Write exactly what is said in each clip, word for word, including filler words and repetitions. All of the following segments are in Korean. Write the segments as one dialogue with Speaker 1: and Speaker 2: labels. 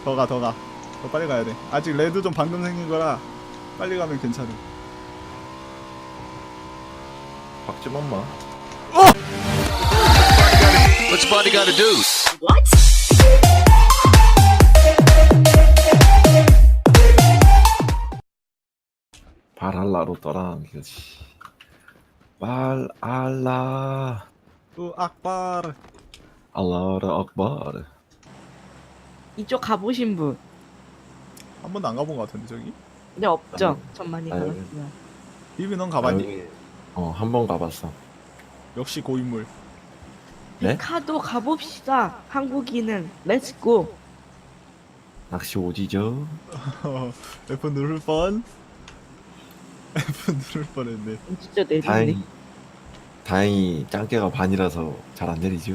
Speaker 1: 더 가, 더 가. 더 빨리 가야 돼. 아직 레드 좀 방금 생긴 거라 빨리 가면 괜찮음.
Speaker 2: 박지 맘마.
Speaker 3: What's your body gotta do?
Speaker 2: 발알라로 떠나는 거지. 발알라.
Speaker 1: 우 악바르.
Speaker 2: 알라르 악바르.
Speaker 4: 이쪽 가보신 분?
Speaker 1: 한 번도 안 가본 것 같은데 저기?
Speaker 4: 네, 없죠.
Speaker 2: 아니,
Speaker 4: 전 많이
Speaker 2: 아니,
Speaker 4: 가봤어요.
Speaker 1: 비비 넌 가봤니?
Speaker 2: 여기, 어, 한 번 가봤어.
Speaker 1: 역시 고인물.
Speaker 2: 네?
Speaker 4: 카도 가봅시다. 한국인은 렛츠고.
Speaker 2: 낚시 오지죠?
Speaker 1: F 누를 뻔. F 누를 뻔했네.
Speaker 4: 진짜 내리네.
Speaker 2: 다행히, 다행히 짱깨가 반이라서 잘 안 내리죠?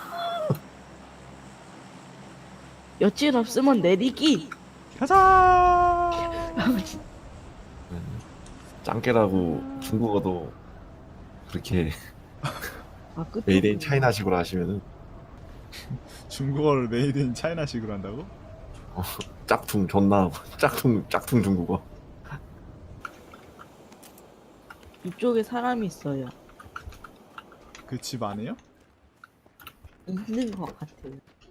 Speaker 4: 여친 없으면 내리기.
Speaker 1: 가자.
Speaker 2: 짱깨라고 중국어도 그렇게
Speaker 4: 아, 끝.
Speaker 2: 메이드 인 차이나식으로 하시면은
Speaker 1: 중국어를 메이드 인 차이나식으로 한다고?
Speaker 2: 어, 짝퉁 존나 하고 짝퉁 짝퉁 중국어.
Speaker 4: 이쪽에 사람이 있어요.
Speaker 1: 그 집 안에요?
Speaker 4: 있는 것 같아요.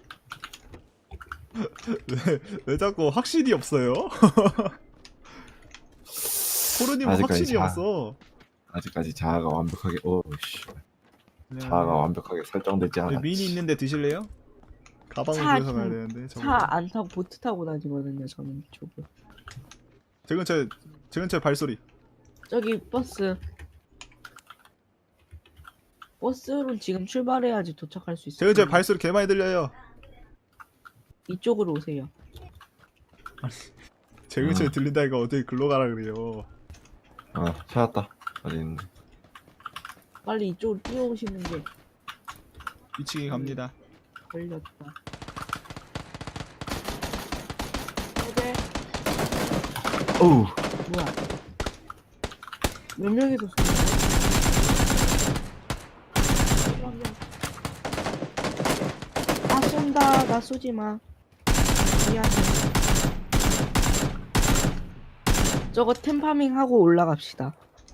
Speaker 1: 왜, 왜 자꾸 확신이 없어요? 코르님은
Speaker 2: 아직까지
Speaker 1: 확신이
Speaker 2: 자-
Speaker 1: 없어.
Speaker 2: 아직까지 자아가 완벽하게 어씨 자아가 완벽하게 설정되지
Speaker 1: 여기
Speaker 2: 않았지.
Speaker 1: 미니 있는데 드실래요? 가방을
Speaker 4: 차
Speaker 1: 들어서 가야
Speaker 4: 좀-
Speaker 1: 되는데 저거.
Speaker 4: 차 안 타고 보트 타고 다니거든요. 저는 이쪽을.
Speaker 1: 제 근처에 제 근처에 발소리.
Speaker 4: 저기 버스. 버스로 지금 출발해야지 도착할 수
Speaker 1: 제
Speaker 4: 있어요.
Speaker 1: 근처에 발소리 개 많이 들려요.
Speaker 4: 이쪽으로 오세요.
Speaker 1: 제 근처에
Speaker 2: 음.
Speaker 1: 들린다니까 어떻게 글로 가라 그래요.
Speaker 2: 아 찾았다. 어디 있는데?
Speaker 4: 빨리 이쪽으로 뛰어오시는 게
Speaker 1: 위치기 갑니다.
Speaker 4: 걸렸다. 어제
Speaker 2: 어우
Speaker 4: 뭐야? 몇 명이서 쏘는 나 쏜다. 나 쏘지 마. 미안해. 저거 템파밍 하고 올라갑시다.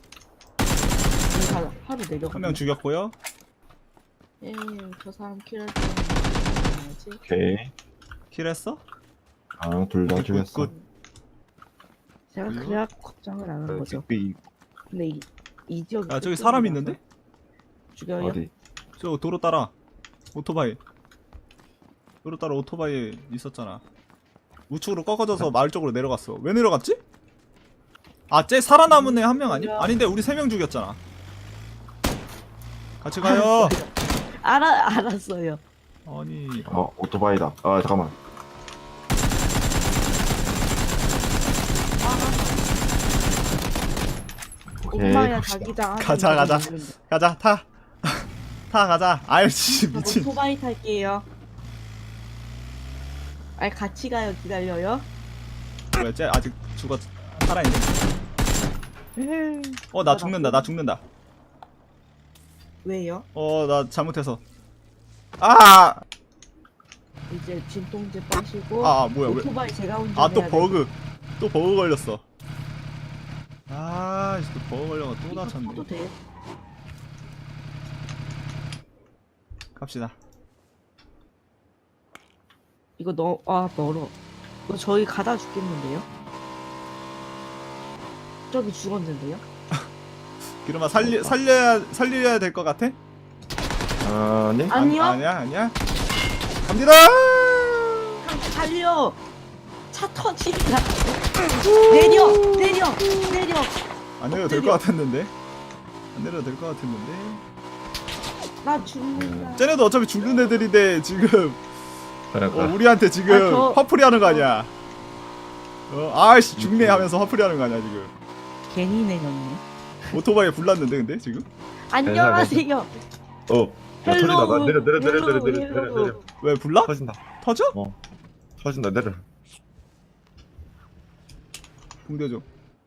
Speaker 4: 바- 바로 내려가.
Speaker 1: 한 명 죽였고요.
Speaker 4: 예, 저 사람 킬할 때 뭐지?
Speaker 2: 오케이.
Speaker 1: 킬했어?
Speaker 2: 아둘 다
Speaker 1: 굿,
Speaker 2: 죽였어.
Speaker 1: 굿.
Speaker 4: 제가
Speaker 1: 그래요?
Speaker 4: 그래야 걱정을 안 하는 거죠.
Speaker 2: 빅
Speaker 4: 근데 이, 이 지역
Speaker 1: 아 저기 사람 있는데?
Speaker 4: 죽여요?
Speaker 2: 어디?
Speaker 1: 저 도로 따라 오토바이. 도로 따라 오토바이 있었잖아. 우측으로 꺾어져서 마을 쪽으로 내려갔어. 왜 내려갔지? 아, 쟤 살아남은 애 한 명 아니? 아닌데 우리 세 명 죽였잖아. 같이 가요.
Speaker 4: 알아 알았어요.
Speaker 1: 아니
Speaker 2: 어 오토바이다. 아 잠깐만. 오케이.
Speaker 4: 엄마야
Speaker 2: 갑시다.
Speaker 4: 자기장.
Speaker 1: 가자, 가자. 가자 타. 타 가자. 아이씨
Speaker 4: 저
Speaker 1: 미친.
Speaker 4: 오토바이 탈게요. 아니 같이 가요. 기다려요.
Speaker 1: 왜 쟤 아직 죽었 살아있네. 어 나 죽는다. 나 죽는다.
Speaker 4: 왜요?
Speaker 1: 어 나 잘못해서. 아!
Speaker 4: 이제 진통제 빠시고.
Speaker 1: 아, 아 뭐야 왜?
Speaker 4: 오토바이 제가 운전해야
Speaker 1: 아 또
Speaker 4: 돼.
Speaker 1: 버그. 또 버그 걸렸어. 아, 이제 또 버그 걸려가 또
Speaker 4: 이거
Speaker 1: 다쳤네.
Speaker 4: 타도 돼?
Speaker 1: 갑시다.
Speaker 4: 이거 너, 아 멀어. 이거 저희 가다 죽겠는데요? 저기 죽었는데요?
Speaker 1: 기름아 살리 살려야 살려야 될 것 같아?
Speaker 2: 아네.
Speaker 4: 아, 아니요.
Speaker 1: 안, 아니야 아니야. 갑니다.
Speaker 4: 달려! 차 터진다. 내려! 내려! 내려!
Speaker 1: 안 내려도 될 것 같았는데. 안 내려도 될 것 같았는데.
Speaker 4: 나 죽는다.
Speaker 1: 쟤네도 어차피 죽는 애들인데 지금
Speaker 2: 그러니까.
Speaker 1: 어, 우리한테 지금
Speaker 4: 아, 저-
Speaker 1: 화풀이 하는 거 아니야? 어, 아이씨 죽네 하면서 화풀이 하는 거 아니야 지금?
Speaker 4: 괜히 내렸네.
Speaker 1: 오토바이에 불났는데 근데 지금?
Speaker 4: 안녕하세요.
Speaker 2: 어. 야, 터진다. 나
Speaker 4: 헬로우,
Speaker 2: 내려 내려 내려 내려
Speaker 4: 헬로우,
Speaker 2: 내려 내려
Speaker 4: 헬로우.
Speaker 2: 내려.
Speaker 1: 왜 불나?
Speaker 2: 터진다.
Speaker 1: 터져?
Speaker 2: 어. 터진다. 내려.
Speaker 1: 붕대 좀.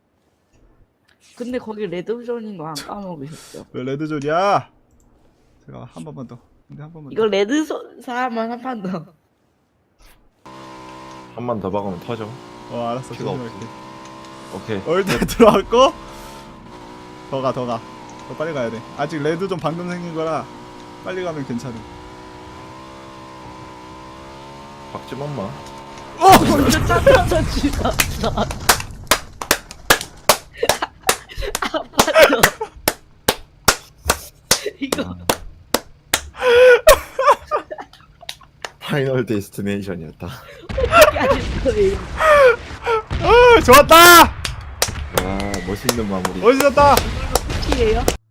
Speaker 4: 근데 거기 레드존인 거 안 까먹으셨죠?
Speaker 1: 왜 레드존이야? 제가 한 번만 더. 근데 한 번만.
Speaker 4: 이거 레드존 사람만 한 판 더.
Speaker 2: 한 번 더 박으면 터져.
Speaker 1: 어 알았어.
Speaker 2: 피가
Speaker 1: 조심할게.
Speaker 2: 오케이.
Speaker 1: 어 일단 들어왔고 더 가 더 가. 더 빨리 가야 돼. 아직 레드 좀 방금 생긴 거라 빨리 가면 괜찮음.
Speaker 2: 박지 맘마.
Speaker 4: 먼저 쫓아서 죽었어. 아 맞아. 이거
Speaker 2: 파이널 데스티네이션이었다.
Speaker 4: 어떻게 하는 거예요?
Speaker 1: 어 좋았다.
Speaker 2: 와 멋있는 마무리.
Speaker 1: 멋있었다.
Speaker 4: 피해요?